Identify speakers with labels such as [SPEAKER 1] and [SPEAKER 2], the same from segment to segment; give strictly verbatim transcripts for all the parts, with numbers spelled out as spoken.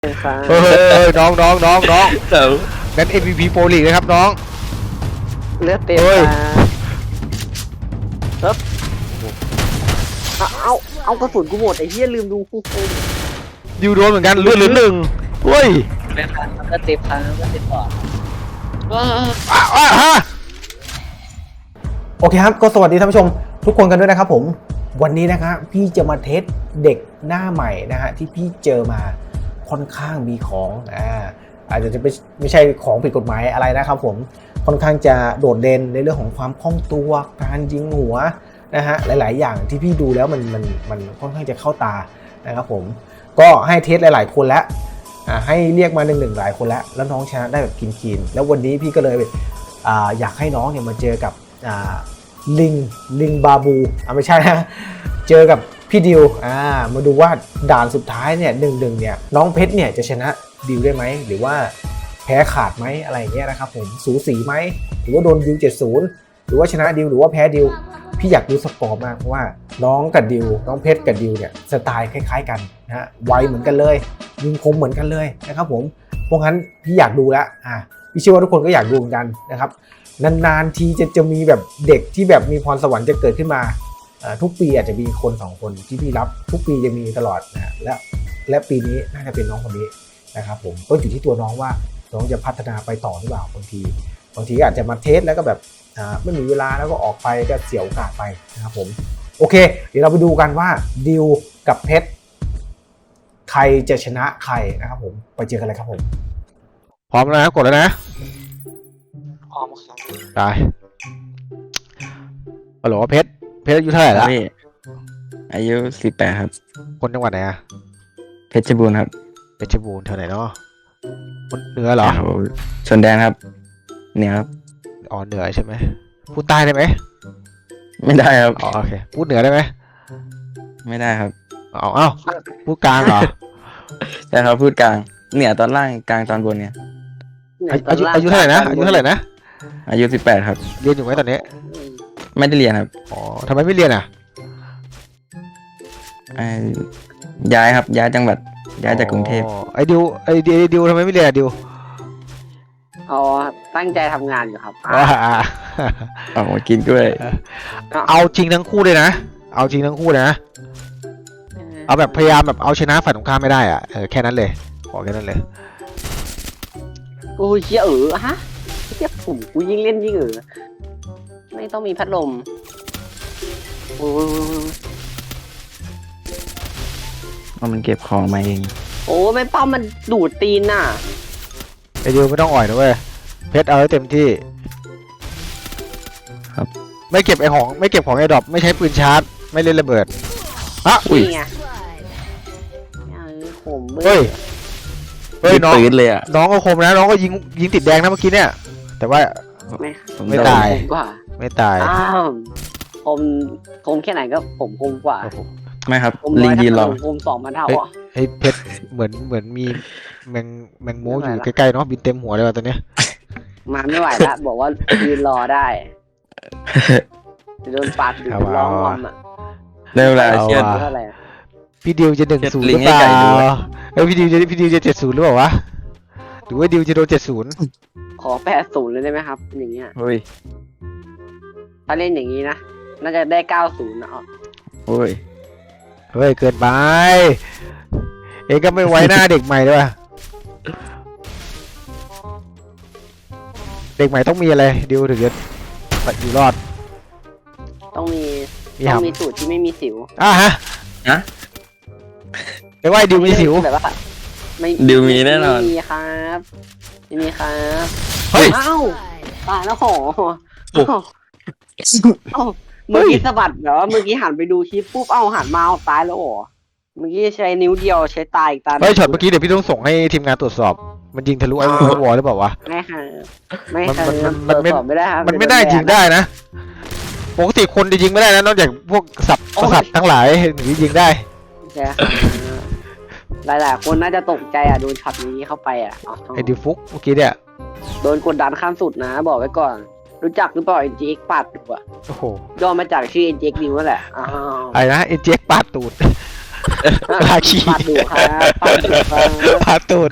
[SPEAKER 1] ครับ
[SPEAKER 2] เฮ้ยน้องน้องน้องน้อง
[SPEAKER 3] เดี๋ยว
[SPEAKER 2] งั้น เอ็ม วี พี โปรลีกนะครับน้อง
[SPEAKER 1] เลือดเต็ม
[SPEAKER 2] เฮ้ย
[SPEAKER 1] ตาครับเอาเอาเอากระสุนกูหมดไอ้เหี้ยลืมดูคู่โคม
[SPEAKER 2] ดิวโดนเหมือนกันเลือดเหลือหนึ่งเฮ้ย
[SPEAKER 1] เลือดพันเลือดเต็มพันเลือดเต็มปอดว้า
[SPEAKER 2] อ้าวอ้าวฮะ
[SPEAKER 4] โอเคครับก็สวัสดีท่านผู้ชมทุกคนกันด้วยนะครับผมวันนี้นะครับพี่จะมาเทสเด็กหน้าใหม่นะฮะที่พี่เจอมาค่อนข้างมีของอ่าอาจจะไม่ไม่ใช่ของผิดกฎหมายอะไรนะครับผมค่อนข้างจะโดดเด่นในเรื่องของความคล่องตัวการยิงหัวนะฮะหลายๆ อย่างที่พี่ดูแล้วมันมันมันค่อนข้างจะเข้าตานะครับผมก็ให้เทสหลายๆคนแล้วอ่าให้เรียกมาหนึ่งหนึ่งหลายคนแล้วแล้วน้องชนะได้แบบกินคีนแล้ววันนี้พี่ก็เลยอ่าอยากให้น้องเนี่ยมาเจอกับอ่าลิงลิงบาบูอ่ะไม่ใช่นะเจอกับพี่ดิวอ่ามาดูว่าด่านสุดท้ายเนี่ยหนึ่งหนึ่งเนี่ยน้องเพชรเนี่ยจะชนะดิวได้ไหมหรือว่าแพ้ขาดไหมอะไรอย่างเงี้ยนะครับผมสูสีไหมหรือว่าโดนดิวเจ็ดศูนย์หรือว่าชนะดิวหรือว่าแพ้ดิวพี่อยากดูสกอร์มากเพราะว่าน้องกับดิวน้องเพชรกับดิวเนี่ยสไตล์คล้ายๆกันนะฮะไวเหมือนกันเลยยิงคมเหมือนกันเลยนะครับผมเพราะงั้นพี่อยากดูแล้วอ่าพี่เชื่อว่าทุกคนก็อยากดูเหมือนกันนะครับนานๆทีจะจะมีแบบเด็กที่แบบมีพรสวรรค์จะเกิดขึ้นมาทุกปีอาจจะมีคนสองคนที่พี่รับทุกปีจะมีตลอดนะและและปีนี้น่าจะเป็นน้องคนนี้นะครับผมก็อยู่ที่ตัวน้องว่าน้องจะพัฒนาไปต่อหรือเปล่าบางทีบางทีอาจจะมาเทสแล้วก็แบบไม่มีเวลาแล้วก็ออกไปก็เสียโอกาสไปนะครับผมโอเคเดี๋ยวเราไปดูกันว่าดิวกับเพชรใครจะชนะใครนะครับผมไปเจอกันเลยครับผม
[SPEAKER 2] พร้อมแล้วนะกดแล้วนะ
[SPEAKER 1] พร้อมครับ
[SPEAKER 2] ตายฮัลโหลเพชรเพชรอายุเท่าไหร่ละ
[SPEAKER 3] พี่อายุสิบแปดครับ
[SPEAKER 2] คนจังหวัดไหนอะ
[SPEAKER 3] เพชรบูรณ์ครับ
[SPEAKER 2] เพชรบูรณ์แถวไหนเนาะคนเหนือเหรอ
[SPEAKER 3] โอ้โหชนแดนครับ เนี่ยครับ
[SPEAKER 2] อ๋อเหนือใช่ไหมพูดใต้ได้ไหม
[SPEAKER 3] ไม่ได้ครับ
[SPEAKER 2] อ๋อโอเคพูดเหนือได้ไหม
[SPEAKER 3] ไม่ได้ครับ
[SPEAKER 2] อ๋อเอ้าพูดกลางเหรอ
[SPEAKER 3] แต่เขาพูดกลางเนี่ยตอนล่างกลางตอนบนเนี่ย
[SPEAKER 2] อายุอายุเท่าไหร่นะอายุเท่าไหร่นะ
[SPEAKER 3] อายุสิบแปดครับ
[SPEAKER 2] เรียนอยู่ไหมตอนนี้
[SPEAKER 3] ไม่ได้เรียนครับ
[SPEAKER 2] อ๋อทำไมไม่เรียนอ่ะ
[SPEAKER 3] เอ่อย้ายครับย้ายจังหวัดย้ายจากกรุงเทพ
[SPEAKER 2] อ๋อไอ้ดิวไอ้ดิวไอ้ดิวทำไมไม่เรียนอะดิว
[SPEAKER 1] อ๋อตั้งใจทำงานอยู่ครับ
[SPEAKER 2] อ่า
[SPEAKER 3] ออกมากินกล้วย
[SPEAKER 2] เอาจริงทั้งคู่เลยนะเอาจริงทั้งคู่เลยนะเอาแบบพยายามแบบเอาชนะฝ่ายตรงข้ามไม่ได้อ่ะเออแค่นั้นเลยขอแค่นั้นเลย
[SPEAKER 1] โอ้ยเชี่ยเออฮะเชี่ยผมกูยิ่งเล่นยิ่งเออไม่ต้องมีพัดลมโอ้ย
[SPEAKER 3] ว่ามันเก็บของมาเอง
[SPEAKER 1] โอ้ไม่ป้อมมันดูดตีนน่ะ
[SPEAKER 2] ไอ้ดิวไม่ต้องอ่อยนะเว้ยเพชรเอาให้เต็มที่
[SPEAKER 3] ครับ
[SPEAKER 2] ไม่เก็บไอ้ของไม่เก็บของไอ้ดรอปไม่ใช้ปืนชาร์จไม่เล่นระเบิดอ่ะ
[SPEAKER 1] นี่ไงเออผมเบื่
[SPEAKER 2] เฮ้ยเฮ้ยน้อง
[SPEAKER 3] ปืนเลยอ่ะ
[SPEAKER 2] น้องก็คมนะน้องก็ยิงยิงติดแดงนะเมื่อกี้เนี่ยแต่ว่า
[SPEAKER 1] ไม่
[SPEAKER 3] ผม
[SPEAKER 2] ไม่
[SPEAKER 3] โดน
[SPEAKER 2] ตาย
[SPEAKER 1] ผมกว่า
[SPEAKER 2] ไม่ตาย
[SPEAKER 1] อ้าวผมผมแค่ไหนก็ผมคมกว่า
[SPEAKER 2] โอ้โห
[SPEAKER 3] ไม่ครับ
[SPEAKER 1] ผม
[SPEAKER 3] ลิ
[SPEAKER 1] ร้
[SPEAKER 3] ง
[SPEAKER 1] อย
[SPEAKER 3] ยืนรอ
[SPEAKER 1] ผมสองพันเท่าอ่ะ
[SPEAKER 2] ไอ้เพชรเหมือนเหมือนมีแมงแมงโมอ
[SPEAKER 1] ไม่
[SPEAKER 2] ยู่
[SPEAKER 1] ไหวละ
[SPEAKER 2] ใกล้ๆเนาะบินเต็มหัวเลยว่ะตอนเนี้ย
[SPEAKER 1] มาไม่ไหวละบอกว่ายืนรอได้จะโดนปาดอยู่ร้องงอมอ่ะ
[SPEAKER 3] ได้เวลาเชียร์
[SPEAKER 1] เท่าไหร่อะ
[SPEAKER 2] พี่ดิวจะหนึ่งศูนย์ห
[SPEAKER 3] ลิ
[SPEAKER 2] รื
[SPEAKER 3] ง
[SPEAKER 2] อ
[SPEAKER 3] ให้
[SPEAKER 2] เปล่า
[SPEAKER 3] ไก่ดูอะ
[SPEAKER 2] เอ้ยพี่ดิวจะพี่ดิวจะเจ็ดศูนย์หรือเปล่าวะหรือว่าดิวจะโดนเจ็ดศูนย์
[SPEAKER 1] ขอแปดศูนย์เลยได้ไหมครับ อย่างเงี้ย
[SPEAKER 3] เฮ้ย
[SPEAKER 1] ถ้าเล่นอย่างนี้นะน่าจะได้เก้าศูนย์นะอ๋อ
[SPEAKER 3] เฮ้ย
[SPEAKER 2] เฮ้ยเกินไปเองก็ไม่ไว้หน้าเด็กใหม่ด้วยว่ะเด็กใหม่ต้องมีอะไรดิวถึงจะอยู่รอด
[SPEAKER 1] ต้องมี
[SPEAKER 2] มี
[SPEAKER 1] ต้อง
[SPEAKER 2] หำ
[SPEAKER 1] มีสูตรที่ไม่มีสิว
[SPEAKER 2] อ่ะฮะ
[SPEAKER 3] ฮะ
[SPEAKER 2] ไม่ว่าดิวมีสิว
[SPEAKER 1] แบบว่าไม่
[SPEAKER 3] ดิวมีแน่นอน
[SPEAKER 1] ไม่มีครับไม่มีครับ
[SPEAKER 2] เฮ้ย
[SPEAKER 1] เอ้าตายแล้วโห
[SPEAKER 3] โอ้
[SPEAKER 1] เอ้าเอ้าเมื่อกี้สะบัดแบบว่าเมื่อกี้หันไปดูคลิปปุ๊บเอ้าหันมาเอาตายแล้วโหเมื่อกี้ใช้นิ้วเดียวใช้ตายอีกตา
[SPEAKER 2] เฮ้ยช็อตเมื่อกี้เดี๋ยวพี่ต้องส่งให้ทีมงานตรวจสอบ มันยิงทะลุไอ้วอลหรือเปล่าวะ
[SPEAKER 1] ไม่ค่ะไม่
[SPEAKER 2] มัน
[SPEAKER 1] ค่ะ
[SPEAKER 2] มันมัน
[SPEAKER 1] ตรวจสอบไม่ได้ครับ
[SPEAKER 2] มันไม่ได้ยิงได้นะปกติคนจะยิงไม่ได้นะนอกจากพวกสับประสัตว์ทั้งหลายถึงจะยิงได้
[SPEAKER 1] ใช่ค่ะหลายๆคนน่าจะตกใจอ่ะโดนช็อตนี้เข้าไปอ่ะอ๋อ
[SPEAKER 2] ไอ้ดิวฟุกเมื่อกี้เนี่ย
[SPEAKER 1] โดนกดดันขั้นสุดนะ บอกไว้ก่อน รู้จักหรือเปล่า เอ็น จี เอ็กซ์ ปาดตูดอ่ะ
[SPEAKER 2] โอ้โห
[SPEAKER 1] ย่อมาจากชื่อ เอ็น จี เอ็กซ์ นิวนั่นแหละอ้าว
[SPEAKER 2] ไอ้นะเอ็นเจ็กปาดตูดปลาขี้
[SPEAKER 1] ปาดดูครับปาดดูครับ
[SPEAKER 2] ปลาตูด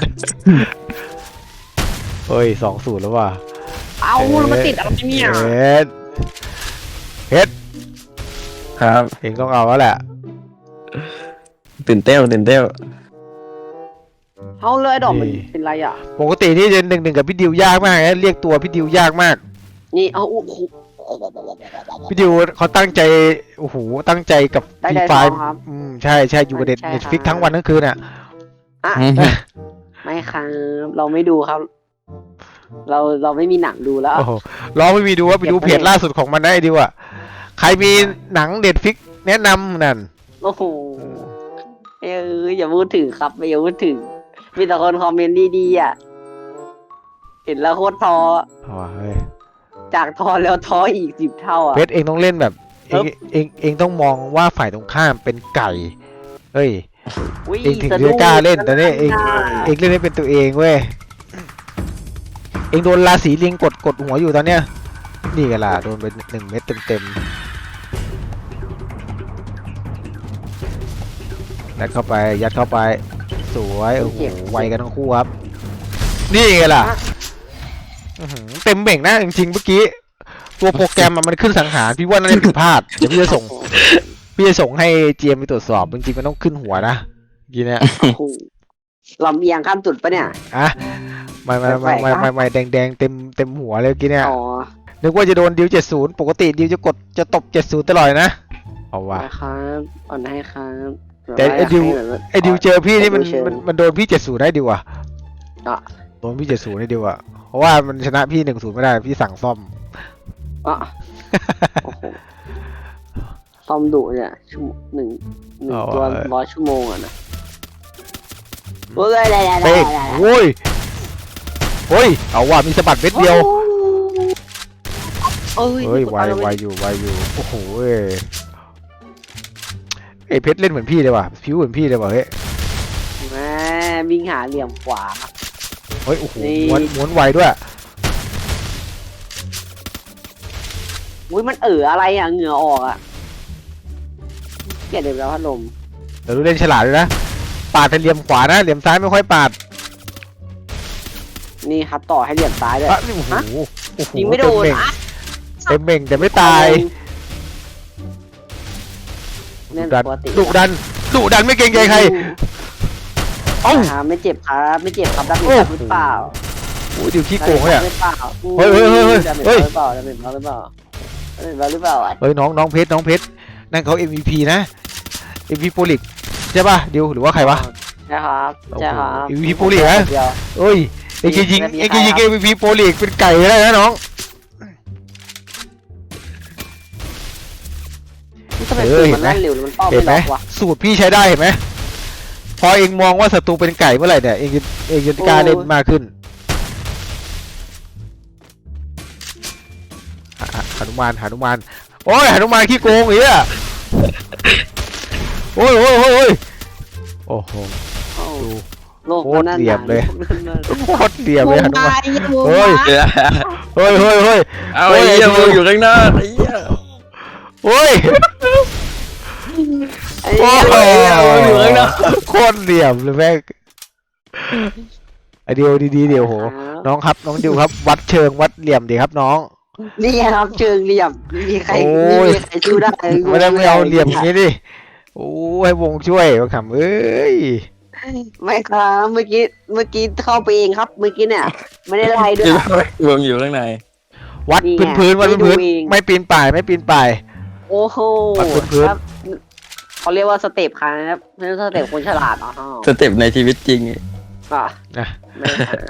[SPEAKER 2] เฮ้ยสองศูนย์แล้วว่ะ
[SPEAKER 1] เอาแล้วมาติดอะไรเนี่ย
[SPEAKER 2] เฮ็ดเฮ็ด
[SPEAKER 3] ครับ
[SPEAKER 2] เองต้องเอาแล้วแหละ
[SPEAKER 3] ตื่นเต้นตื่นเต้น
[SPEAKER 1] เอาเลยดอกมันเป็นไรอ่ะ
[SPEAKER 2] ปกติที่จะหนึ่งหนึ่งกับพี่ดิวยากมากนะเรียกตัวพี่ดิวยากมาก
[SPEAKER 1] นี่เอาโอ้โห
[SPEAKER 2] พี่ดิวเขาตั้งใจโอ้โหตั้งใจกับ
[SPEAKER 1] ได้
[SPEAKER 2] ฟรี
[SPEAKER 1] ได้
[SPEAKER 2] ไฟ
[SPEAKER 1] ทองครับ
[SPEAKER 2] อืมใช่ใช่อยู่กับเด็ด
[SPEAKER 1] ใช่
[SPEAKER 2] เน็ตฟิก
[SPEAKER 1] ครับ
[SPEAKER 2] ทั้งวันทั้งคืนอ่ะ
[SPEAKER 1] อ่ะไม่ครับเราไม่ดูครับ เราเราไม่มีหนังดูแล้ว
[SPEAKER 2] โอ้โหลองไม่มีดูว่าไปดู
[SPEAKER 1] เก็บไว้
[SPEAKER 2] เพจล่าสุดของมันได้ดิวอ่ะใครมีหนังเน็ตฟิกแนะนำนั่น
[SPEAKER 1] โอ้โหเอออย่าพูดถึงครับอย่าพูดถึง มีแต่คนคอมเมนต์ดีๆอ่ะ เห็นแล้วโคตรท้อ
[SPEAKER 2] เอาว่ะเฮ้ย
[SPEAKER 1] จากท้อแล้วท้ออีกสิบเท่าอ่ะ
[SPEAKER 2] เพชรเองต้องเล่นแบบเองเองเองต้องมองว่าฝ่ายตรงข้ามเป็นไก่เฮ้ย
[SPEAKER 1] อุ๊ย
[SPEAKER 2] เองถึง
[SPEAKER 1] สะ
[SPEAKER 2] จะ
[SPEAKER 1] ดุ้
[SPEAKER 2] กล้าเล่นแต่เนี่ยเอง
[SPEAKER 1] ะ
[SPEAKER 2] เองเล่นให้เป็นตัวเองเว้ยเองโดนราศีลิงกดกดหัวอยู่ตอนเนี้ยนี่กันล่ะโดนไปหนึ่งเม็ดเต็มๆยัดเข้าไปยัดเข้าไปสวยโอ้โหไวกันทั้งคู่ครับนี่ไงล่ะอื้อหือเต็มเบ่งนะจริงๆเมื่อกี้ตัวโปรแกรมอะมันขึ้นสังหารพี่ว่าน่าจะผิดพลาดเดี๋ยวพี่จะส่งพี่จะส่งให้เจมไปตรวจสอบจริงๆมันต้องขึ้นหัวนะเมื่อกี้เนี่ย
[SPEAKER 1] โอ้โหลำเอียงข้ามจุดปะเนี่ย
[SPEAKER 2] อะไม่ไม่ไม่ไม่ไม่ไม่แดงแดงเต็มเต็มหัวเลยเมื่อกี้เนี่ย
[SPEAKER 1] อ๋อ
[SPEAKER 2] นึกว่าจะโดนดิวเจ็ดศูนย์ปกติดิวจะกดจะตบเจ็ดศูนย์ตลอดนะเอาว่ะ
[SPEAKER 1] นะครับอ่อนให้ครับ
[SPEAKER 2] แต่ไอ้ดิว
[SPEAKER 1] แบบว่า
[SPEAKER 2] ไอ้ดิวเจอพี่นี่มัน
[SPEAKER 1] เชิง
[SPEAKER 2] มันมันโดนพี่เจ็ดศูนย์ได้ดิวอะ
[SPEAKER 1] อ่ะ
[SPEAKER 2] โดนพี่เจ็ดศูนย์ได้ดิวอะเพราะว่ามันชนะพี่หนึ่งศูนย์ไม่ได้พี่สั่งซ่อม
[SPEAKER 1] อ่ะโอ้โหซ่อมดุเนี่ยชั่วโมงหนึ่งหนึ่งตัวร้อยชั่วโมงอ่ะนะโอ้ยได้ได้ได้
[SPEAKER 2] เป๊ก
[SPEAKER 1] ได้
[SPEAKER 2] โอ้ยโอ้ยเอาว่ะมีสะบัดเม็ดเดียว
[SPEAKER 1] โอ้ย
[SPEAKER 2] เฮ้ยไวไวอยู่ไวอยู่โอ้โหเอ้ยไอเพชรเล่นเหมือนพี่เลยว่ะผิวเหมือนพี่เลยว่ะเฮ้ย
[SPEAKER 1] แม่วิ่งหาเหลี่ยมขวา
[SPEAKER 2] เฮ้ยโอ้โห
[SPEAKER 1] นี่
[SPEAKER 2] ม้วนม้วนไวด้วย
[SPEAKER 1] อุ้ยมันเอ๋ออะไรอ่ะเหงื่อออกอ่ะเกลียดเด็กแล้วพัดลม
[SPEAKER 2] เดี๋ยวดูเล่นฉลาดด้วยนะปาดเป็นเหลี่ยมขวานะเหลี่ยมซ้ายไม่ค่อยปาด
[SPEAKER 1] นี่ครับต่อให้เหลี่ยมซ้ายเลย
[SPEAKER 2] อ่ะนี่โอ้โหโอ้โห
[SPEAKER 1] ยิงไม่โดน
[SPEAKER 2] เต็มเบ่ง
[SPEAKER 1] อ่ะ
[SPEAKER 2] เต็มเบ่งแต่ไม่ตาย
[SPEAKER 1] เล่น
[SPEAKER 2] ดุดัน
[SPEAKER 1] ปกติ
[SPEAKER 2] ดุดันดุดันไม่เกรงใจใครเอ้า
[SPEAKER 1] ครับไม่เจ็บครับไม่เจ็บครับดับเบิล
[SPEAKER 2] โอ้
[SPEAKER 1] หรือเปล่า
[SPEAKER 2] โอ้ยดิวขี้โกงเลยอ่ะ
[SPEAKER 1] หรือเปล่า
[SPEAKER 2] เฮ้ยเฮ้ยเฮ้ยเฮ้ย
[SPEAKER 1] ดับเบิล
[SPEAKER 2] เฮ้ย
[SPEAKER 1] หรือเปล่าดับเบิลหรือเปล่าดับเบิลหรือเปล่าอ่ะ
[SPEAKER 2] เฮ้ยน้องน้องเพชรน้องเพชรนั่นเขา เอ็ม วี พี นะ เอ็ม วี โปรลิกใช่ป่ะดิวหรือว่าใครวะ
[SPEAKER 1] ใช่ครับใช่ครับ
[SPEAKER 2] โอ้โห เอ็ม วี โปรลีกนะ
[SPEAKER 1] เดียว
[SPEAKER 2] เอ้ยเอ็งจะยิง
[SPEAKER 1] มี
[SPEAKER 2] เอ็ง
[SPEAKER 1] ใคร
[SPEAKER 2] จะยิง
[SPEAKER 1] ครั
[SPEAKER 2] เอ็
[SPEAKER 1] บ
[SPEAKER 2] ม วี พี โปรลีกเป็นไก่ได้นะน้อง
[SPEAKER 1] ทำไม
[SPEAKER 2] เอ
[SPEAKER 1] ปื
[SPEAKER 2] อน เห็
[SPEAKER 1] มัน น
[SPEAKER 2] ไหม
[SPEAKER 1] เล่นเร็วแล้วมันเป้า
[SPEAKER 2] เห็
[SPEAKER 1] ไม่
[SPEAKER 2] นไหม
[SPEAKER 1] ล็อกวะ
[SPEAKER 2] สูตรพี่ใช้ได้เห็นไหมพอเองมองว่าศัตรูเป็นไก่เมื่อไหร่เนี่ยเองจะเองจะกล้าเล่นมากขึ้นหหหนุมานหนุมานโอ้ยหนุมานขี้โกงอีอ่ะโอ้ยโอ้ยโอ้ยโอ้ยโอ้โห
[SPEAKER 1] โอ้
[SPEAKER 2] ดู
[SPEAKER 1] โลก
[SPEAKER 2] โคตรเหลี่ยมเลย โคตรเหลี่ยม
[SPEAKER 1] โม
[SPEAKER 2] เลยหนุ
[SPEAKER 1] บาม
[SPEAKER 2] าน
[SPEAKER 1] ยโม
[SPEAKER 2] เฮ้ย
[SPEAKER 1] บาย
[SPEAKER 2] เฮ้ยเฮ้ยเฮ้ย
[SPEAKER 3] เอาไอ้เหี้ยมึงอยู่ข้างหน้าไอ้เหี้ย
[SPEAKER 2] โอ้ย
[SPEAKER 1] ไอ้
[SPEAKER 2] โอ้
[SPEAKER 1] เหี้ย
[SPEAKER 2] โห
[SPEAKER 3] อยู่ข้างหน้า
[SPEAKER 2] โคตรเหลี่ยมเลยแม่งไอเดียวดีๆเดี๋ยวโห น้องครับน้องดิวครับ วัดเชิงวัดเหลี่ยมดีครับน้อง
[SPEAKER 1] นี่ครับเชิงเหลี่ยมไม่มีใคร
[SPEAKER 2] โอ้
[SPEAKER 1] ไม่
[SPEAKER 2] ย
[SPEAKER 1] มีใครสู้ได้
[SPEAKER 2] ไม่ได้ไม่เอาเหลี่ยมอย่างนี้ดิโอ้ให้วงช่วยมาขำเอ้ย
[SPEAKER 1] ไม่ครับเมื่อกี้เมื่อกี้เข้าไปเองครับ เมื่อกี้เนี่ย ไม่ได้ไล่ด้วย
[SPEAKER 3] คิดว่ามึงอยู่ข้างใน
[SPEAKER 2] วัด
[SPEAKER 1] นี่ไง
[SPEAKER 2] พื้นพื้นๆวัด
[SPEAKER 1] ไม่ดู
[SPEAKER 2] พื้น
[SPEAKER 1] เอง
[SPEAKER 2] ๆไม่ปีนป่ายไม่ปีนป่าย
[SPEAKER 1] โอ้โห
[SPEAKER 2] วัดพื้นๆ
[SPEAKER 1] ครับเขาเรียกว่าสเต็ปครับไม่ใช่สเต็ปคนฉลาดอ๋อ
[SPEAKER 3] สเต็ปในชีวิตจริง
[SPEAKER 1] อ่ะ
[SPEAKER 2] นะ
[SPEAKER 1] ไม่ครับ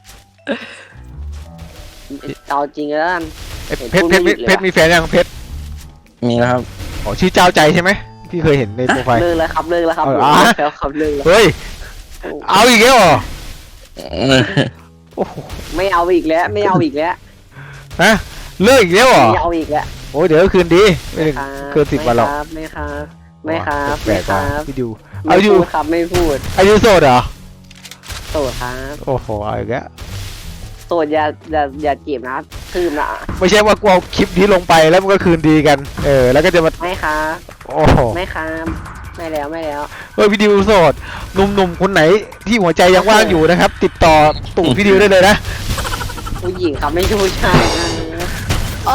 [SPEAKER 1] เอาจริงแล้วกัน
[SPEAKER 2] เอ้ย
[SPEAKER 1] เห็น
[SPEAKER 2] เพชร
[SPEAKER 1] พูด
[SPEAKER 2] เพชร
[SPEAKER 1] ไม่หยุดเลย
[SPEAKER 2] เพชรมีแฟนยังเพชร
[SPEAKER 3] มีแล้วครับ
[SPEAKER 2] อ๋อชื่อเจ้าใจใช่ไหมพี่เคยเห็นในโปรไฟล์
[SPEAKER 1] เลิกแล้วครับเลิกแล้วครับ
[SPEAKER 2] เอา
[SPEAKER 1] เลิ
[SPEAKER 2] เหรอ
[SPEAKER 1] กแล้วครับเลิกแล้ว
[SPEAKER 2] เฮ้ยเอาอีกแล้วเหรอโอ้โห
[SPEAKER 1] ไม่เอาอีกแล้ว ไม่เอาอีกแล้ว
[SPEAKER 2] ฮะเลิกอีกแล้วเหรอ
[SPEAKER 1] ไม่เอาอีกแล้ว
[SPEAKER 2] โอ้ยเดี๋ยวก็คืนดีไม่ถึง
[SPEAKER 1] ครับ
[SPEAKER 2] คืนสิบวันหรอก
[SPEAKER 1] ไม่ครับไม่ครับ
[SPEAKER 2] แปล
[SPEAKER 1] ไม่
[SPEAKER 2] ก
[SPEAKER 1] ค
[SPEAKER 2] ๆ
[SPEAKER 1] รั
[SPEAKER 2] ว่ะ
[SPEAKER 1] บ
[SPEAKER 2] พี่ดิว
[SPEAKER 1] ไม่
[SPEAKER 2] เอาอยู่
[SPEAKER 1] พูดครับไม่พูด
[SPEAKER 2] อายุโสดเหรอ
[SPEAKER 1] โสดครับ
[SPEAKER 2] โอ้โหเอาอีกแล้ว
[SPEAKER 1] โสดอย่าอย่าอย่าจีบนะทืมนะ
[SPEAKER 2] ไม่ใช่ว่ากูเอาคลิปนี้ลงไปแล้วมันก็คืนดีกัน เออ แล้วก็จะมา
[SPEAKER 1] ไม่ครับ
[SPEAKER 2] โอ้โห
[SPEAKER 1] ไม่ครับไม่แล้วไม่แล้ว
[SPEAKER 2] เฮ้ยพี่ดิวโสดหนุ่มๆคนไหนที่หัวใจยังว่างอยู่นะครับ ติดต่อตู่พี่ดิวได้เลยนะ
[SPEAKER 1] ผู้หญิงครับไม่ใช่ผู้ชายนะอ๋อ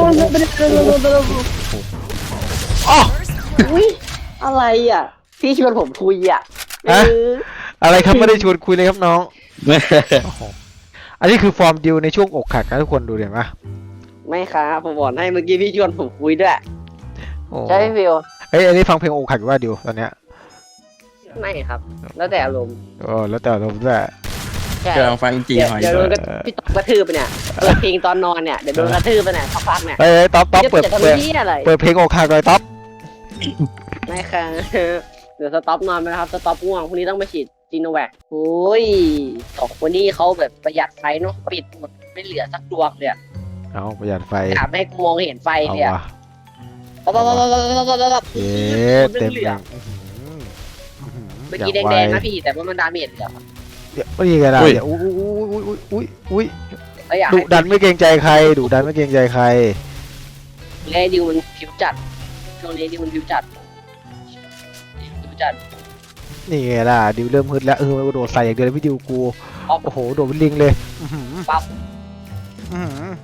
[SPEAKER 2] อ๋อ
[SPEAKER 1] อุ้ยอะไรอ่ะพี่ชวนผมคุยอ่ะเออ
[SPEAKER 2] อะไรครับไม่ได้ชวนคุยเลยครับน้องโอ้โหอันนี้คือฟอร์มดิวในช่วงอกหักนะทุกคนดูเห็นปะ
[SPEAKER 1] ไม่ครับผมบอกให้เมื่อกี้พี่ชวนผมคุยด้วย
[SPEAKER 2] โอ้
[SPEAKER 1] ใช่ไหมฟิว
[SPEAKER 2] เอ้ยอันนี้ฟังเพลงอกหักอยู่ว่าดิวตอนเนี้ย
[SPEAKER 1] ไม่ครับ แล้วแต่อารมณ์
[SPEAKER 2] โอ้แล้วแต่เราด้วย
[SPEAKER 1] ใช่
[SPEAKER 3] กำลังฟังจี
[SPEAKER 1] เดี๋ยว
[SPEAKER 3] หอย
[SPEAKER 1] เดี๋ยว
[SPEAKER 3] อ
[SPEAKER 1] โด
[SPEAKER 3] ยู่
[SPEAKER 1] นกระพี่ตอกกระทืบไปเนี่ยเปิดเพลงตอนนอนเนี่ยเดี๋ยวโดนกระทืบไปเนี่ยสักพักเนี่ย
[SPEAKER 2] เอ้ยต๊อปต๊อปเปิด
[SPEAKER 1] จะทำ
[SPEAKER 2] เปิด
[SPEAKER 1] ที่อะไร
[SPEAKER 2] เปิดเพลงอกหักเลยต๊อป
[SPEAKER 1] ไม่ค่ะ เดี๋ยวสต็อปนอนไปนะครับสต็อปง่วงพรุ่งนี้ต้องไปฉีดจีโนแวคโอ้ยสองคนนี้เขาแบบประหยัดไฟเนาะปิดหมดไม่เหลือสักดวงเลยอะ
[SPEAKER 2] เอาประหยัดไฟ
[SPEAKER 1] อยากให้กูมองเห็นไฟ
[SPEAKER 2] เอา
[SPEAKER 1] เลยอะ
[SPEAKER 2] ว่ะ
[SPEAKER 1] ปั๊บปั๊บปั๊บปั๊บปั๊บปั๊บปั๊บ
[SPEAKER 2] เย้เต็ม
[SPEAKER 1] เหลื
[SPEAKER 2] เล
[SPEAKER 1] อย เมื่อกี้แดงๆนะพี่แต่ว่ามันดาเมจเหลือ
[SPEAKER 2] เดี๋ยวนี่ไงล่ะเดี๋ยวอุ้ยอุ้ยอุ้ยอุ้ยอุ้ย
[SPEAKER 1] ก็อยาก
[SPEAKER 2] ดุ
[SPEAKER 1] ให้
[SPEAKER 2] ดันไม่เกรงใจใครดุดันไม่เกรงใจใคร
[SPEAKER 1] ไอ้ดิวมันผิวจัดช่วงนี้ดิวมันผิวจัดผิวจัด
[SPEAKER 2] นี่ไงล่ะดิวเริ่มฮึดแล้วเออโดดใส่อย่างเดียวเลยพี่ดิวกู
[SPEAKER 1] ปั๊บ
[SPEAKER 2] โอ้โหโดดเป็นลิงเลยอื้อหือ
[SPEAKER 1] ปั๊บ
[SPEAKER 2] อื้อหือ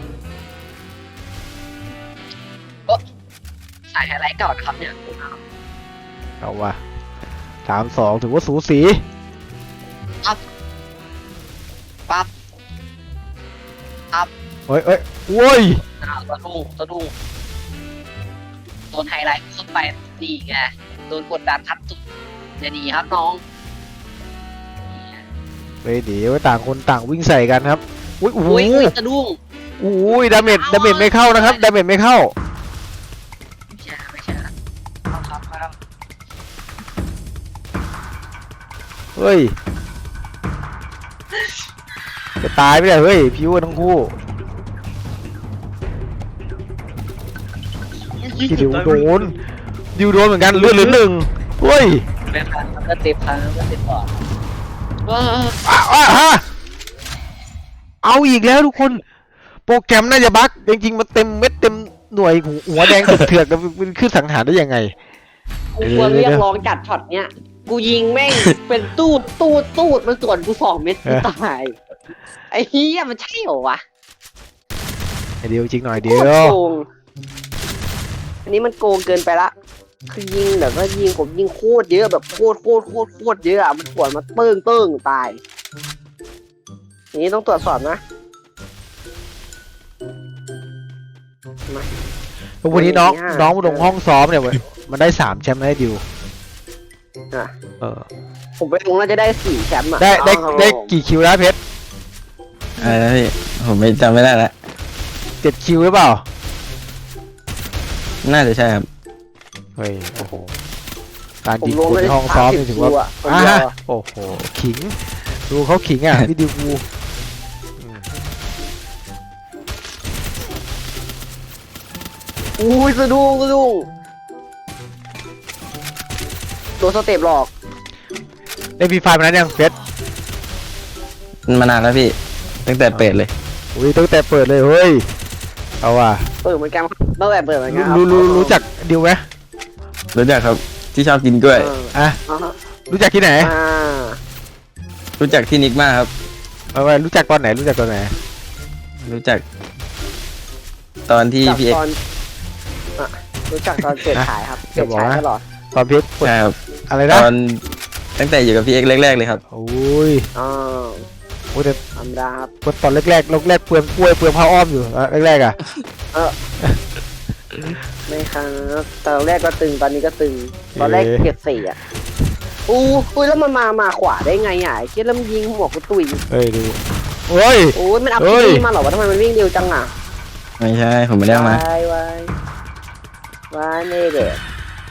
[SPEAKER 1] สายไฮไลท์เก่านะครับเนี่ย
[SPEAKER 2] เอาว่ะสามสองถือว่าสูสี
[SPEAKER 1] ปั๊บ
[SPEAKER 2] เฮ้ยเฮ้ยโว้ย
[SPEAKER 1] อ้าวสะดุ้งสะดุ้งโดนไฮไลท์ขึ้นไปดีไงโดนกดดันทัดตุดอย่าดีครับน้อง
[SPEAKER 2] เฮ้ยเดี๋ยวต่างคนต่างวิ่งใส่กันครับอุ้ยโอ้โห
[SPEAKER 1] อุ้ยอุ้ยสะดุ้ง
[SPEAKER 2] อุ้ยดาเมจดาเมจไม่เข้านะครับดาเมจไม่เข้า
[SPEAKER 1] ไม่ใช่ไม่ใช่ครับครับครับ
[SPEAKER 2] เฮ้ยจะตายไม่ได้เฮ้ยพิวทั้งคู่ที่ดิวโดนดิวโดนเหมือนกันเลือดเหลือหนึ่งเฮ้ย
[SPEAKER 1] เป็นพันก็เจ็บพันก็เจ็บก่อนว้า
[SPEAKER 2] อ่ะอ่ะฮะเอาอีกแล้วทุกคน โปรแกรมน่าจะบั๊กจริงๆมันเต็มเม็ดเต็มหน่วยหัวหัวแดงเถือกๆมันขึ้นสังหารได้ยังไง
[SPEAKER 1] กูควรเรียกร้องจัดช็อตเนี้ยกูยิงแม่งเป็นตูดตูดตูดมันส่วนกูสองเม็ดกูตายไอ้เหี้ยมันใช่เหรอวะ
[SPEAKER 2] ไอเดียวจริงหน่อย
[SPEAKER 1] โค
[SPEAKER 2] เดีย
[SPEAKER 1] ตร
[SPEAKER 2] ว
[SPEAKER 1] โกงอันนี้มันโกงเกินไปละคือยิงแบบว่ายิงผมยิงโคตรเยอะแบบโคตรโคตรโคตรโคตรเยอะอะมันปวดมาเติ้งเติ้งตายอย่างนี้ต้องตรวจสอบนะ
[SPEAKER 2] วันนี้น้อง
[SPEAKER 1] อย่างเงี้ย
[SPEAKER 2] น้องมาลงห้องซ้อมเนี่ยเว้ยมันได้สามแชมป์ได้ดิว
[SPEAKER 1] อ่ะ
[SPEAKER 2] เออ
[SPEAKER 1] ผมไปลงน่าจะได้สี่แชมป์อ่ะ
[SPEAKER 2] ได้ได้
[SPEAKER 1] เอาครับ
[SPEAKER 2] ได้
[SPEAKER 1] ผม
[SPEAKER 2] กี่คิวแล้วเพชร
[SPEAKER 3] อะไรนะพี่ผมไม่จำไม่ได้ละ
[SPEAKER 2] เจ็ดคิวหรือเปล่า
[SPEAKER 3] น่าจะใช่ครับ
[SPEAKER 2] เฮ้ยโอ้โหการ
[SPEAKER 1] ผม
[SPEAKER 2] ยิง
[SPEAKER 1] ลง
[SPEAKER 2] คน
[SPEAKER 1] ได้
[SPEAKER 2] ในห้องซ้อมนี่ถือว่า
[SPEAKER 1] สามสิบคิวอะคน
[SPEAKER 2] อ่ะ
[SPEAKER 1] เดียวอะ
[SPEAKER 2] โอ้โหขิงดูเขาขิงอ่ะพี่ดิวกูอืม
[SPEAKER 1] อุ้ยสะดุ้งสะดุ้งโดนสเต็ปหลอก
[SPEAKER 2] ได้ฟรีไฟล์มานั้นยังเพชร
[SPEAKER 3] มานานแล้วพี่ ตั้งแต่เปิดเลย
[SPEAKER 2] อุ้ยตั้งแต่เปิดเลยเฮ้ยเอาว่ะ
[SPEAKER 1] เปิดเหมือนกันตั้งแต่เปิดเหมือนกันครับ
[SPEAKER 2] รู้รู้รู้จักดิวไหม
[SPEAKER 3] รู้จักครับที่ชอบกินกล้วย
[SPEAKER 1] เออ
[SPEAKER 2] อ่ะ
[SPEAKER 1] อ่าฮะ
[SPEAKER 2] รู้จักที่ไหน
[SPEAKER 1] อ่า
[SPEAKER 3] รู้จักที่นิกมากครับ
[SPEAKER 2] เอาไว้รู้จักตอนไหนรู้จักตอนไหน
[SPEAKER 3] รู้จัก ตอนที่
[SPEAKER 1] จาก
[SPEAKER 3] พี่เอก
[SPEAKER 1] ตอนอ่ะรู้จักตอนเปิดขายครับเปิดขายตลอด
[SPEAKER 2] ตอนเพชร
[SPEAKER 3] ใช่ครับ
[SPEAKER 2] อะไร
[SPEAKER 3] ต
[SPEAKER 2] นะ
[SPEAKER 3] อนตั้งแต่อยู่กับพี่เอกแรกๆเลยครับ
[SPEAKER 2] โอ้ย
[SPEAKER 1] อ๋อ
[SPEAKER 2] โอ้ยแต่
[SPEAKER 1] ธรรมดาครับ
[SPEAKER 2] ตอนแรกๆแรกแรกๆเปลืองกล้วยเปลืองผ้าอ้อมอยู่อะแรกๆอ่ะ
[SPEAKER 1] ไม่ครับตอนแรกก็ตึงตอนนี้ก็ตึง ตอนแรกเก็บสี่อ่ะอู้อุ้ยแล้วมันมามาขวาได้ไงอ่ะไอ้เคิดแล้วมันยิงหัวกูตุย
[SPEAKER 2] เฮ้ยดูโอ้ย
[SPEAKER 1] โอ้ยมันเอา
[SPEAKER 2] เฮ้
[SPEAKER 1] พี
[SPEAKER 2] ย
[SPEAKER 1] ดีมาเหรอวะทำไมมันวิ่งเร็วจังอ่ะ
[SPEAKER 3] ไม่ใช่ผมไม่ได้เอามา
[SPEAKER 1] วายวายวายเน่เด็ก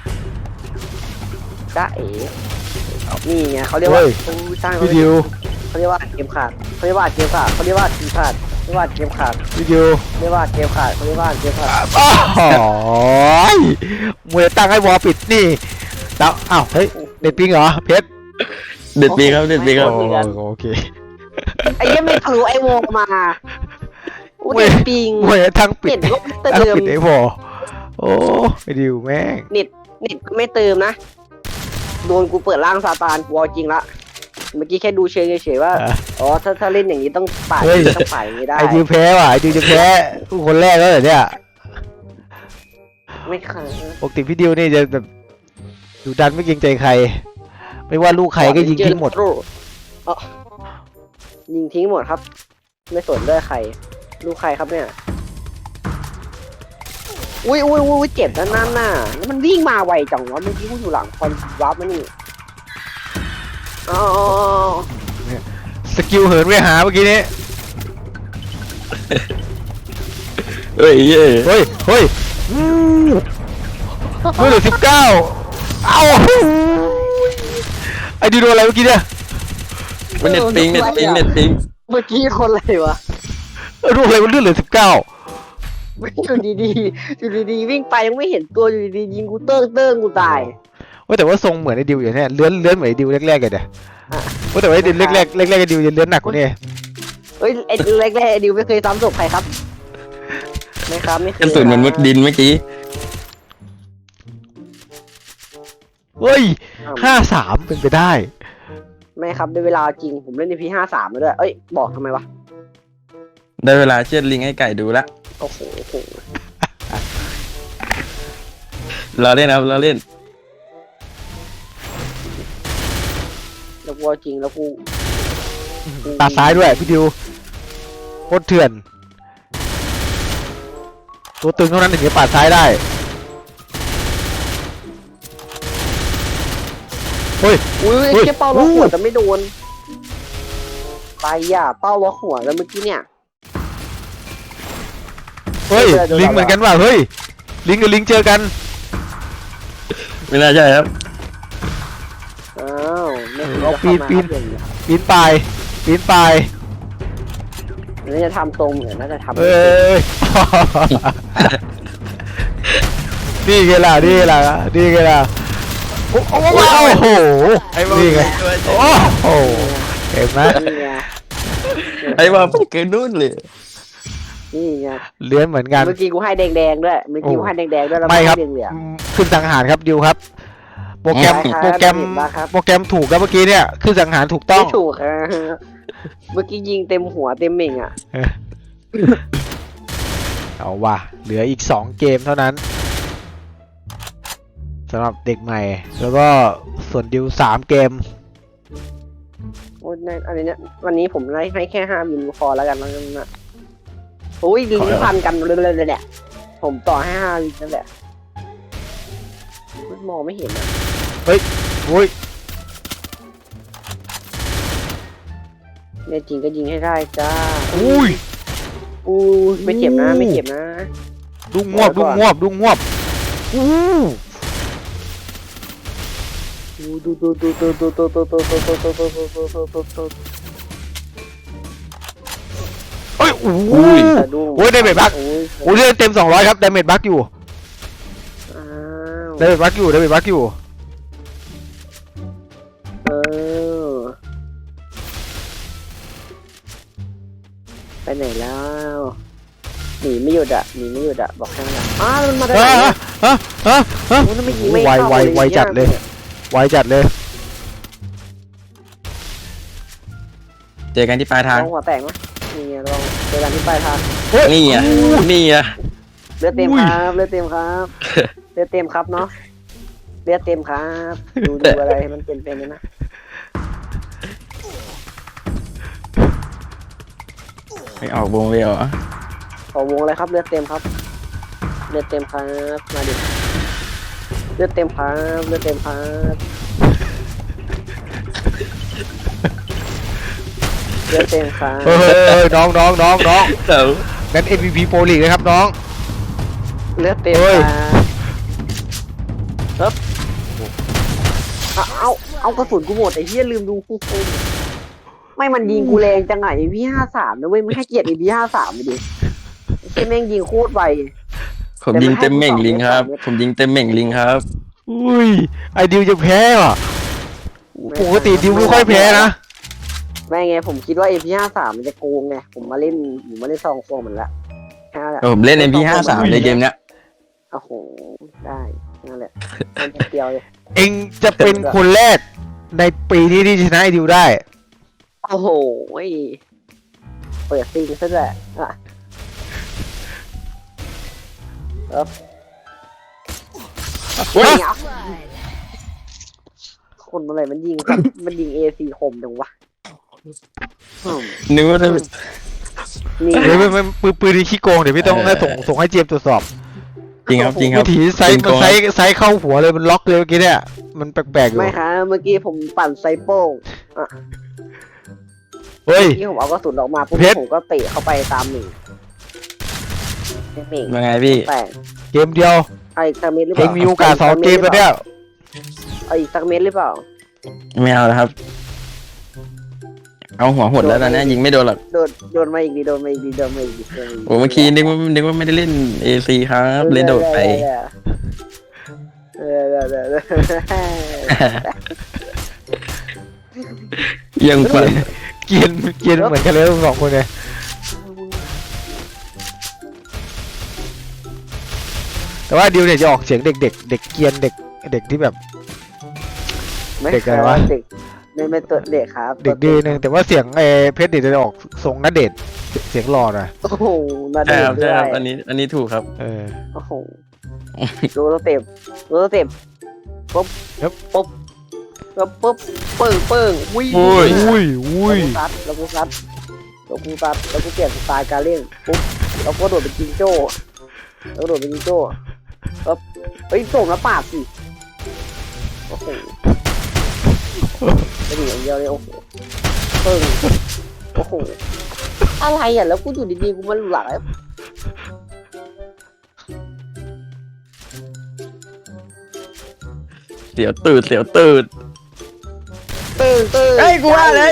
[SPEAKER 1] จ้าเอ๋นี่ไงเขาเรียกว่าอู้สร้าง
[SPEAKER 2] วิดีโอ
[SPEAKER 1] เขาเรียกว่าเกมขาดเขาเรียกว่าเกมขาดเขาเรียกว่าเกมขาดเขาเรียกว่าเกมขาด
[SPEAKER 2] วิดีโอ
[SPEAKER 1] เรียกว่าเกมขาดเขาเรียกว่าเกมขาด
[SPEAKER 2] โอ้ยมวยตั้งให้วอลปิดนี่แล้วอ้าวเฮ้ยเด็ดปิงเหรอเพชร
[SPEAKER 3] เด็ดปีครับเด็ดปีครับ
[SPEAKER 2] โอ้โอเค
[SPEAKER 1] ไอ้ยังไม่ทะลุไอ้วงมาอู้
[SPEAKER 2] เว้
[SPEAKER 1] เด็
[SPEAKER 2] ย
[SPEAKER 1] ดปิง
[SPEAKER 2] มวยทั้งปิ
[SPEAKER 1] เน็
[SPEAKER 2] ด
[SPEAKER 1] ตก็ไม่
[SPEAKER 2] ทั้ง
[SPEAKER 1] เติม
[SPEAKER 2] ปิดไอ้พอโอ้วิดีโอแม่ง
[SPEAKER 1] เน็ตเน็ตก็ไม่เติมนะโดนกูเปิดร่างซาตานกูเอาจริงละเมื่อกี้แค่ดูเฉยเฉยๆว่าอ๋อถ้าถ้าเล่นอย่างนี้ต้องป่าดต้องป่าดอย่างนี้ได้
[SPEAKER 2] ไอดิวแพ้ว่ะไอดิวจะแพ้คนแรกแล้วเหรอเนี่ย
[SPEAKER 1] ไม่เคย
[SPEAKER 2] ปกติพี่ดิวนี่จะแบบดุดันไม่เกรงใจใคร ไม่ว่าลูกใครก็ยิงทิ้งหมด
[SPEAKER 1] อ๋อยิงทิ้งหมดครับ ไม่สนด้วยใคร ลูกใครครับเนี่ยอุ้ยอุ้ยอุ้ยเจ็บนะนั่นน่ะแล้วมันวิ่งมาไวจังวะเมื่อกี้กูอยู่หลังคอนวับมานี่อ๋อ
[SPEAKER 2] สกิลเหินไปหาเมื่อกี้นี้
[SPEAKER 3] เฮ้ยเฮ้ย
[SPEAKER 2] เฮ้ยเฮ้ยอืมเฮ้ยเหลือสิบเก้าเอ้าไอดิวโดนอะไรเมื่อกี้เนี่ย
[SPEAKER 3] มันเน็ตปิงเน็ตปิงเน็ตปิง
[SPEAKER 1] เมื่อกี้คนอะไรวะ
[SPEAKER 2] เออโดนอะไรมันเลือดเหลือสิบเก้า
[SPEAKER 1] อยู่ดีๆอยู่ดีๆวิ่งไปยังไม่เห็นตัวอยู่ดีๆยิงกูเติ้งเติ้งกูตาย
[SPEAKER 2] ว่าแต่ว่าทรงเหมือนไอดิวอย่างเนี้ยเลื้อนเลื้อนเหมือนไอดิวแรกๆกันเด้
[SPEAKER 1] อ่ะ
[SPEAKER 2] ว่าแต่ว่าไอดิวแรกๆแรกๆไอดิวจะเลื้อนหนักกว่านี้
[SPEAKER 1] เฮ้ยไอ้แรกๆไอ้ดิวไม่เคยซ้ำศพใครครับไม่ครับไม่เคย
[SPEAKER 3] กระสุนมันมุดดินเมื่อกี้
[SPEAKER 2] เฮ้ยห้าสามเป็นไปได้
[SPEAKER 1] ไม่ครับได้เวลาจริงผมเล่นในพีห้าสามมาด้วยเอ้ยบอกทำไมวะ
[SPEAKER 3] ได้เวลาเชือดลิงให้ไก่ดูละ
[SPEAKER 1] โอ้โหโอ้โห
[SPEAKER 3] เราเล่นครับเราเล่น
[SPEAKER 1] แล้วกูเอาจริงแล้วกู
[SPEAKER 2] ตาซ้ายด้วยพี่ดิวโคตรเถื่อน ตัวตึงเท่านั้นถึงจะปาดซ้ายได้เฮ้ย
[SPEAKER 1] อุ้ย
[SPEAKER 2] เฮ้ย
[SPEAKER 1] แค่เป้าล็อก
[SPEAKER 2] อู้
[SPEAKER 1] หัวแต่ไม่โดนไปอ่ะเป้าล็อกหัวแล้วเมื่อกี้เนี่ย
[SPEAKER 2] เฮ้ย
[SPEAKER 1] เดี๋ยวเดี๋ยว
[SPEAKER 2] ลิงเหมือนกันว่ะเฮ้ยลิงกับลิงเจอกัน
[SPEAKER 3] ไม่น่าใช่ครับ
[SPEAKER 1] อ้าวไม่เคย
[SPEAKER 2] เอา
[SPEAKER 1] จะเข้ามา
[SPEAKER 2] ปีน
[SPEAKER 1] ครับอย่างนี้ครับ
[SPEAKER 2] ปีนป่ายปีนป่าย
[SPEAKER 1] น่าจะทำตรงเนี่ยน่าจะทำ
[SPEAKER 2] เอ้ย นี่ไงล่ะนี่ไงล่ะนี่ไงล่ะโอ้โหโอ้โหนี่ไงโอ้โหเห็นไหม
[SPEAKER 1] นี่ไง
[SPEAKER 3] ไอ้ว่าไปเกินนู่นเลย
[SPEAKER 1] นี่ไง
[SPEAKER 2] เลื้อนเหมือนกัน
[SPEAKER 1] เมื่อกี้กูให้แดงๆด้วยเมื่อกี้กูให้แดงๆด้วยแล้ว
[SPEAKER 2] ไม่ครับ
[SPEAKER 1] ให้เหลือง
[SPEAKER 2] ขึ้นสังหารครับดิวครับ โปรแกรม
[SPEAKER 1] ได้ครับ
[SPEAKER 2] โปรแกรม
[SPEAKER 1] เห็นแล้วครับ
[SPEAKER 2] โปรแกรมถูกครับเมื่อกี้เนี่ยขึ้นสังหารถูก
[SPEAKER 1] ๆ
[SPEAKER 2] ต้อง
[SPEAKER 1] ไม่ถูกครับเมื่อกี้ยิงเต็มหัวเต็มเหม่งอ่ะ
[SPEAKER 2] เอาว่ะเหลืออีกสองเกมเท่านั้นสำหรับเด็กใหม่ แล้วก็ส่วนดิวสามเกม
[SPEAKER 1] โอ้ยในอันนี้เนี่ยวันนี้ผมให้ให้แค่ห้ามิลพอแล้วกันแล้วกันนะโอ้ยลิงก์พันกันเลยเลยแหละผมต่อให้ห้ามิลนั่นแหละมองไม่เห็นอ่ะ
[SPEAKER 2] อุ้ย
[SPEAKER 1] เนี่ยจริงก็ยิงให้ได้จ้า
[SPEAKER 2] อุ้ย
[SPEAKER 1] อู้ไม่เจ็บนะไม่เจ็บนะ
[SPEAKER 2] ดุ้งงวบดุ้งงวบดุ้งงวบอู้
[SPEAKER 1] ดูดูดูดูดูดูดูดูดูดูดูดูดูดูดูดูดู
[SPEAKER 2] เอ้ยโอ้โห
[SPEAKER 1] สะดุ้ง
[SPEAKER 2] โอ้ยได้เมจบัก
[SPEAKER 1] โอ้ย
[SPEAKER 2] โอ้ยเลือดเต็มสองร้อยครับดาเมจบักอยู่
[SPEAKER 1] อ้าว
[SPEAKER 2] ดาเมจบักอยู่ดาเมจบักอยู่
[SPEAKER 1] เออไปไหนแล้วหนีไม่หยุดอะหนีไม่หยุดอะบอกแค่นั้นอะอ้าวมันมาได้
[SPEAKER 2] ฮะ
[SPEAKER 1] ไง
[SPEAKER 2] ฮะฮะฮะฮะ
[SPEAKER 1] โอ้ยทำไมยิงไม่
[SPEAKER 2] ไว
[SPEAKER 1] เข้า
[SPEAKER 2] ไว
[SPEAKER 1] เลย
[SPEAKER 2] ไวจัดเลย ไวจัดเลย
[SPEAKER 3] เจอกันที่ปลายทาง
[SPEAKER 1] ลองหัวแตกไหมนี่ไงลองเจอกันที่ปลายทาง
[SPEAKER 3] นี่อ่ะนี่อ่ะ
[SPEAKER 1] เลือดเต็ม
[SPEAKER 2] อุ้ย
[SPEAKER 1] ครับเลือดเต็มครับเลือดเต็มครับเนาะเลือดเต็มครับดูดูอะไรให้มันเป็นเป็นๆนะ
[SPEAKER 3] ไม่ออกวงเวลอ่ะ
[SPEAKER 1] ขอวงเลยครับเลือดเต็มครับเลือดเต็มครับมาดิเลือดเต็มครับเลือดเต็มครับเลือดเต็มครับ
[SPEAKER 2] เฮ้ยเฮ้ยน้องน้องน้องน้อง
[SPEAKER 3] เต๋อ
[SPEAKER 2] งั้น เอ็ม วี พี Pro League นะครับน้อง
[SPEAKER 1] เลือดเต็ม
[SPEAKER 2] เฮ้
[SPEAKER 1] ค
[SPEAKER 2] ย
[SPEAKER 1] รับครับเอาเอาเอากระสุนกูหมดไอ้เหี้ยลืมดูคู่คมไม่มันยิงกูแรงจังไงไอ้พี่ห้าสามนะเว้ยไม่ให้เกียรติไอ้พี่ห้าสามไปดิไอ้เหี้ยแม่งยิงโคตรไว
[SPEAKER 3] ผมยิงเต็มเหม่งลิงครับ ผมยิงเต็มเหม่งลิงครับ
[SPEAKER 2] อุ้ยไอดิวจะแพ้ว่ะปกติดิวไม่ค่อยแพ้นะ
[SPEAKER 1] ไม่ไงผมคิดว่าเอพีห้าสามมันจะโกงไงผมมาเล่นผมมาเล่นซองโฟมมันละแค่นั้นแหละ
[SPEAKER 3] ผมเล่น เอ็ม พี ห้าสิบสาม ในเกมเนี้ย
[SPEAKER 1] โอ้โหได้นั่นแหละมันเดียวเลย
[SPEAKER 2] เองจะเป็นคนแรกในปีนี้ที่ชนะไอดิวได้
[SPEAKER 1] โอ้โหเปิดซิงซะด้วยอ่ะครับคนอะไรมันยิงครับ มันยิงเอซีคมจังวะอืม
[SPEAKER 3] นึกว่าจะ
[SPEAKER 1] นี่
[SPEAKER 2] เดี๋ยวไม่ไม่ปืนปืนที่ขี้โกงเดี๋ยวพี่ต้องให้ส่งส่งให้เจมส์ตรวจสอบ
[SPEAKER 3] จริงครับจริงครั
[SPEAKER 2] วิ
[SPEAKER 3] บ
[SPEAKER 2] ถีไซส์มันไซส์ไซส์เข้าหัวเลยมันล็อกเลยเมื่อกี้เนี่ยมันแปลกๆอยู่
[SPEAKER 1] ไม่ครับเมื่อกี้ผมปั่นไซโป้งอ่ะ
[SPEAKER 2] เฮ้ย
[SPEAKER 1] ที่ผมเอากระสุนออกมาปุ๊บ
[SPEAKER 2] เพชร
[SPEAKER 1] ผมก็เตะเข้าไปตามหนึ่งหนึ่ง
[SPEAKER 3] ว่าไงพี่
[SPEAKER 1] แต่
[SPEAKER 2] เกมเดียว
[SPEAKER 1] เอาอีกสักเม็ดหรือเป
[SPEAKER 2] เอ
[SPEAKER 1] ล่าง
[SPEAKER 2] มีโอกาสสองเกมแล้วเนี่ย
[SPEAKER 1] เอาอีกสักเม็ดหรือเปล่า
[SPEAKER 3] ไม่เอาแล้วครับ เอาหัวหดแล้วตอนนี้ยิงไม่โดนหรอก
[SPEAKER 1] โดนโดนมาอีกดีโดนมาอีกดีโดนมาอีกดีโดนมาอีกดี
[SPEAKER 3] โอ้เมื่อกี้นึกว่านึกว่าไม่ได้เล่นเอซีครับ เล่นโดดไป
[SPEAKER 1] เออเออเออเออ
[SPEAKER 3] ยังฝัน
[SPEAKER 2] เกรียนเกรียนเหมือนกันเลยทั้งสองคนเลยแต่ว่าดิวเนี่ยจะออกเสียงเด็กเด็กเด็กเกรียนเด็กเด็กที่แบบ เด็กอะไรวะ
[SPEAKER 1] เด็กไม่ไม่ตัวเด็กครับ
[SPEAKER 2] เด็กดีนึงแต่ว่าเสียงไอ้เพชรเด็กจะออกทรงนัดเดทเสียงหล่อหน่อย
[SPEAKER 1] โอ้โหนา
[SPEAKER 3] ใช่
[SPEAKER 1] เด็
[SPEAKER 3] ค
[SPEAKER 1] ก
[SPEAKER 3] รับ
[SPEAKER 1] ด้
[SPEAKER 3] ใช่
[SPEAKER 1] ว
[SPEAKER 3] ครับ
[SPEAKER 1] ย
[SPEAKER 3] อันนี้อันนี้ถูกครับ
[SPEAKER 2] เออ
[SPEAKER 1] โอ้โหดูสเต็ปดูสเต็ปปุ๊บ
[SPEAKER 2] ครับ
[SPEAKER 1] ปุ๊บปุ๊บปุ๊บปึ้งปึ้งวิ่ง
[SPEAKER 2] อุ้ยอุ้ยอุ้ย
[SPEAKER 1] แล้วกูซัดแล้วกูซัดแล้วกูซัดแล้วกูเปลี่ยนสไตล์การเล่นปุ๊บแล้วก็โดดเป็นจิงโจ้แล้วก็โดดเป็นจิงโจ้ปุ๊บเฮ้ยส่งแล้วปาดสิโอ้โหไม่ดีอย่างเดียวเลยโอ้โหปึ้งโอ้โหอะไรอ่ะแล้วกูอยู่ดีๆกูมันหลัง
[SPEAKER 3] เสียวตื่นเสียวตื่น
[SPEAKER 1] ตื่นตื่น
[SPEAKER 3] เฮ้ยกูว่าเลย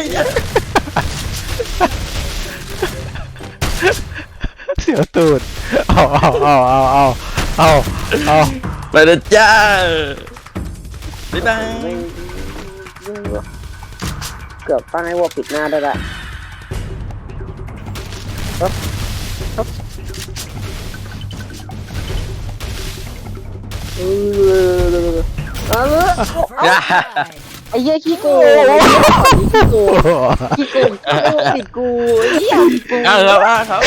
[SPEAKER 2] เสียวตูดเอาเอาเอาเอาเอาเอาเอา
[SPEAKER 3] ไปเลยจ้าบ๊ายบาย
[SPEAKER 1] ไม่เกือบตั้งให้วัวปิดหน้าได้ละครับครับเออเอาเลย ไอ้เหี้ยขี้โกงขี้โกงขี้โกงติดกูไอ้เหี้ยติดกู
[SPEAKER 3] เอาครับเอาครับ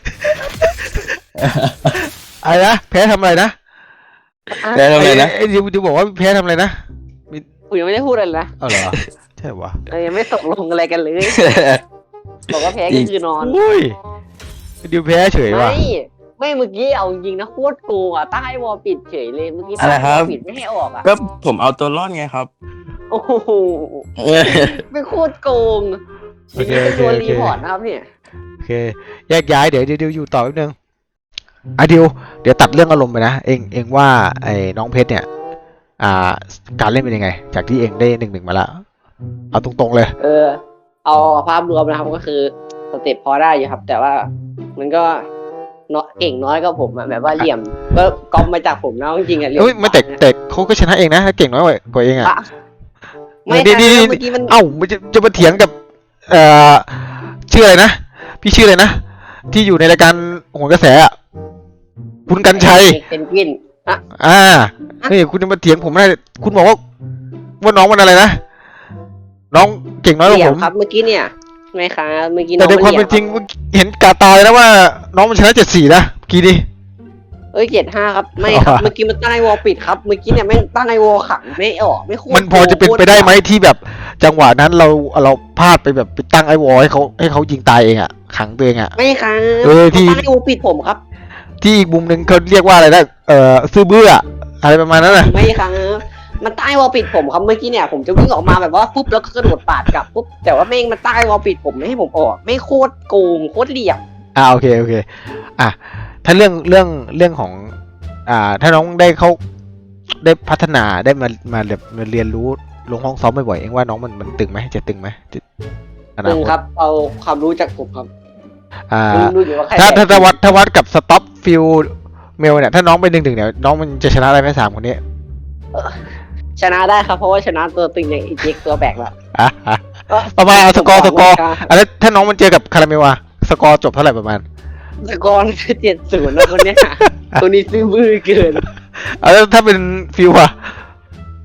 [SPEAKER 2] อะไรนะแพ้ทำอะไรนะ
[SPEAKER 3] แพ้ทำไมนะ
[SPEAKER 2] ไอ้ดิวดิวบอกว่าแพ้ทำอะไรนะ
[SPEAKER 1] กูยังไม่ได้พูดอะไรนะ
[SPEAKER 2] เอาเหรอใช่วะ
[SPEAKER 1] เรายังไม่ตกลงอะไรกันเลยบอกว่าแพ้ก็คือนอน
[SPEAKER 2] อุ้ยดิวแพ้เฉยว่ะ
[SPEAKER 1] ไม่ไม่เมื่อกี้เอาจริงนะโคตรโกงอ่ะตั้งให้วอลปิดเฉยเลยเมื่อกี้
[SPEAKER 3] อะไรครับ
[SPEAKER 1] ปิดไม่ให้ออกอ่ะ
[SPEAKER 3] ก็ผมเอาตัวรอดไงครับ
[SPEAKER 1] โอ้โหเป็นโคตรโกง
[SPEAKER 2] โอเค
[SPEAKER 1] เป็
[SPEAKER 2] โอน เค
[SPEAKER 1] ตัว
[SPEAKER 2] โอ
[SPEAKER 1] รี
[SPEAKER 2] เค
[SPEAKER 1] พอร์ตนะครับเนี่ย
[SPEAKER 2] โอเคแยกย้ายเดี๋ยวดิวอยู่ต่อแป๊บนึงอ่ะดิวเดี๋ยวตัดเรื่องอารมณ์ไปนะเองเองว่าไอ้น้องเพชรเนี่ย อ่า การเล่นเป็นยังไง จากที่เองได้หนึ่งหนึ่งมาแล้วเอาตรงๆเลย
[SPEAKER 1] เออ เอาภาพรวมนะครับก็คือสเต็ปพอได้อยู่ครับ แต่ว่ามันก็เนาะเก่งน้อยก็ผมอะแบบว่าเหลี่ยมก็ก๊อปมาจากผมนะจริงๆอะเหลี่ยม
[SPEAKER 2] เอ้ยไม่แต่แต่เขาก็ชนะเองนะเก่งน้อยกว่ากว่าเองอ่ะ
[SPEAKER 1] อะไม่
[SPEAKER 2] ดี
[SPEAKER 1] ใช่
[SPEAKER 2] ดีดี
[SPEAKER 1] เมื่อกี้มัน
[SPEAKER 2] เอ้ามันจะจะมาเถียงกับ เอ่อชื่ออะไรนะพี่ชื่ออะไรนะที่อยู่ในรายการโหนกระแสอ่ะคุณกันชัย
[SPEAKER 1] เป็นกวินอะ
[SPEAKER 2] อ่าเฮ้ยคุณจะมาเถียงผมไม่ได้คุณบอกว่าว่าน้องมันอะไรนะน้องเก่งน้อยก
[SPEAKER 1] เห
[SPEAKER 2] ว่า
[SPEAKER 1] ลี่ย
[SPEAKER 2] ผม ม
[SPEAKER 1] ครับเมื่อกี้เนี่ยไม่ค่ะเมื่อกี้น้
[SPEAKER 2] แต่
[SPEAKER 1] อง
[SPEAKER 2] ในความ
[SPEAKER 1] เห
[SPEAKER 2] เป็
[SPEAKER 1] ลี่
[SPEAKER 2] น
[SPEAKER 1] ย
[SPEAKER 2] จริงเห็นกาตาเลยนะว่า น้องมันชนะเจ็ดสี่นะเมื่อกี้นี่
[SPEAKER 1] เอ้ยเจ็ดห้าครับไม่ครับ
[SPEAKER 2] อ๋อ
[SPEAKER 1] เมื่อกี้มันตั้งไอวอลปิดครับเมื่อกี้เนี่ยแม่งตั้งไอวอลขังไม่ออกไม่โคตร
[SPEAKER 2] มันพอจะเป็นไปได้ไหมที่แบบจังหวะนั้นเราเราพลาดไปแบบไปตั้งไอ้วอลให้เขาให้เขายิงตายเองอ่ะขังตัวเองอ่ะ
[SPEAKER 1] ไม่ครับ
[SPEAKER 2] เออที่
[SPEAKER 1] มันตั้งไอวอลปิดผมครับ
[SPEAKER 2] ที่อีกมุมหนึ่งเขาเรียกว่าอะไรนะเอ่อซื้อเบื่ออะไรประมาณนั้นน่ะ
[SPEAKER 1] ไม่ครับมันตั้งไอวอลปิดผมครับเมื่อกี้เนี่ยผมจะวิ่งออกมาแบบว่าปุ๊บแล้วก็กระโดดปาดกลับปุ๊บแต่ว่าแม่งมันตั้งไอวอลปิดผมไม่ให้ผมออกไม่โคตรโกงโคตรเหลี่ยม
[SPEAKER 2] อ่าโอเคโอเคอ่ะถ้าเรื่องเรื่องเรื่องของ อ่า ถ้าน้องได้เขาได้พัฒนาได้มามาแบบมาเรียนรู้ลงห้องซ้อมบ่อยๆเองว่าน้องมันมันตึงไหมจะตึงไหมจะอนา
[SPEAKER 1] ตึง
[SPEAKER 2] คต
[SPEAKER 1] ครับเอาความรู้จากผมครับ
[SPEAKER 2] อ่า
[SPEAKER 1] รู้อยู่ว่าใคร
[SPEAKER 2] ถ้าถ้า
[SPEAKER 1] แพ้
[SPEAKER 2] ถ้าวัดถ้าวัดกับสต็อปฟิลเมลเนี่ยถ้าน้องไปหนึ่งหนึ่งเนี่ยน้องมันจะชนะได้ไหมสามคนนี้
[SPEAKER 1] ชนะได้ครับเพราะว่าชนะตัวตึงอย่างอีเจ็กตัวแบกละ
[SPEAKER 2] อ่ะอ่ะประมาณเอาสกอร์สกอร์อ่ะแล้วถ้าน้องมันเจอกับคาราเมลอะสกอร์จบเท่าไหร่ประมาณ
[SPEAKER 1] สกอร์คือเจ็ดศูนย์นะคนเนี้ยตัวนี้ซื้อมือเกิน
[SPEAKER 2] เอาแล้วถ้าเป็นฟิลอะ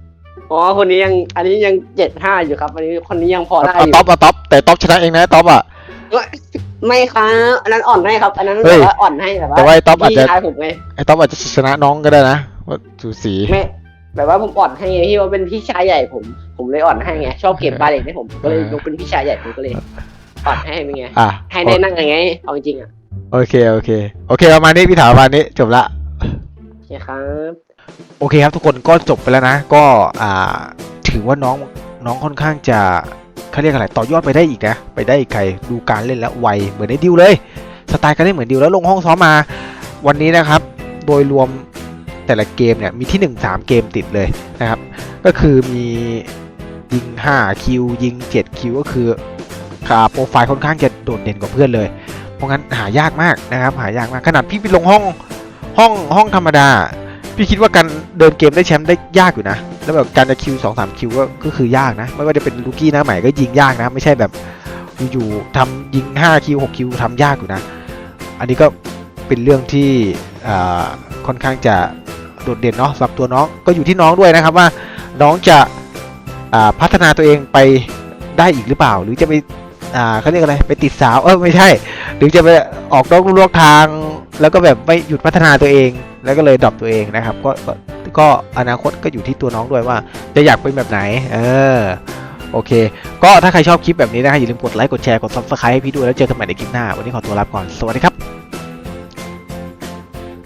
[SPEAKER 1] อ๋อคนนี้ยังอันนี้ยังเจ็ดห้าอยู่ครับ อันนี้คนนี้ยังพอได้
[SPEAKER 2] เอา
[SPEAKER 1] อยู่
[SPEAKER 2] ท็อปเอาท็อปแต่ท็อปชนะเองนะท็อปอ่ะ
[SPEAKER 1] ไม่ครับอันนั้นอ่อนให้ครับ อันนั้น
[SPEAKER 2] เฮ้
[SPEAKER 1] แบ
[SPEAKER 2] ย
[SPEAKER 1] บว่าอ่อนให้แบบว่า
[SPEAKER 2] แต่ว่าไอ้ต๊อบอาจจะ
[SPEAKER 1] พี่ชายผมไง
[SPEAKER 2] ไอ้ท็อปอาจจะชนะน้องก็ได้นะว่าสูสี
[SPEAKER 1] ไม่แบบว่าผมอ่อนให้ไงพี่ว่าเป็นพี่ชายใหญ่ผม ผมเลยอ่อนให้ไงชอบเก็บบาเลนให้ผมก็เลยยกเป็นพี่ชายใหญ่ผมก็เลยอ่อนให้เป็นไง
[SPEAKER 2] อ่ะ
[SPEAKER 1] ให้ได้นั่งยังไงเอาจริงๆอ่ะ
[SPEAKER 2] โอเคโอเคโอเคประมาณนี้พี่ถามประมาณนี้จบละ
[SPEAKER 1] โอเคครับ
[SPEAKER 2] โอเคครับทุกคนก็จบไปแล้วนะ ก็อ่าถือว่าน้องน้องค่อนข้างจะเขาเรียกอะไรต่อยอดไปได้อีกนะไปได้อีกใครดูการเล่นแล้วไวเหมือนในดิวเลยสไตล์การเล่นเหมือนดิวแล้วลงห้องซ้อมมาวันนี้นะครับ โดยรวมแต่ละเกมเนี่ยมีที่หนึ่ง สามเกมติดเลยนะครับ ก็คือมียิงห้าคิวยิงเจ็ดคิวก็คือขาโปรไฟล์ค่อนข้างจะโดดเด่นกว่าเพื่อนเลยเพราะงั้นหายากมากนะครับหายากมากขนาดพี่ไปลงห้องห้องห้องธรรมดาพี่คิดว่าการเดินเกมได้แชมป์ได้ยากอยู่นะแล้วแบบการจะคิวสองสามคิวก็ก็คือยากนะไม่ว่าจะเป็นลูกี้หน้าใหม่ก็ยิงยากนะไม่ใช่แบบอยู่ๆทำยิงห้าคิวหกคิวทำยากอยู่นะอันนี้ก็เป็นเรื่องที่อ่าค่อนข้างจะโดดเด่นเนาะสำหรับตัวน้องก็อยู่ที่น้องด้วยนะครับว่าน้องจะอ่าพัฒนาตัวเองไปได้อีกหรือเปล่าหรือจะไปอ่าเขาเรียกอะไรไปติดสาวเออไม่ใช่หรือจะไปออกนอกลู่นอกทางแล้วก็แบบไม่หยุดพัฒนาตัวเองแล้วก็เลยดรอปตัวเองนะครับก็ก็ก็อนาคตก็อยู่ที่ตัวน้องด้วยว่าจะอยากเป็นแบบไหนเออโอเคก็ถ้าใครชอบคลิปแบบนี้นะครับอย่าลืมกดไลค์กดแชร์กด ซับสไครบ์ ให้พี่ด้วยแล้วเจอกันใหม่ในคลิปหน้าวันนี้ขอตัวลาไปก่อนสวัสดีครับ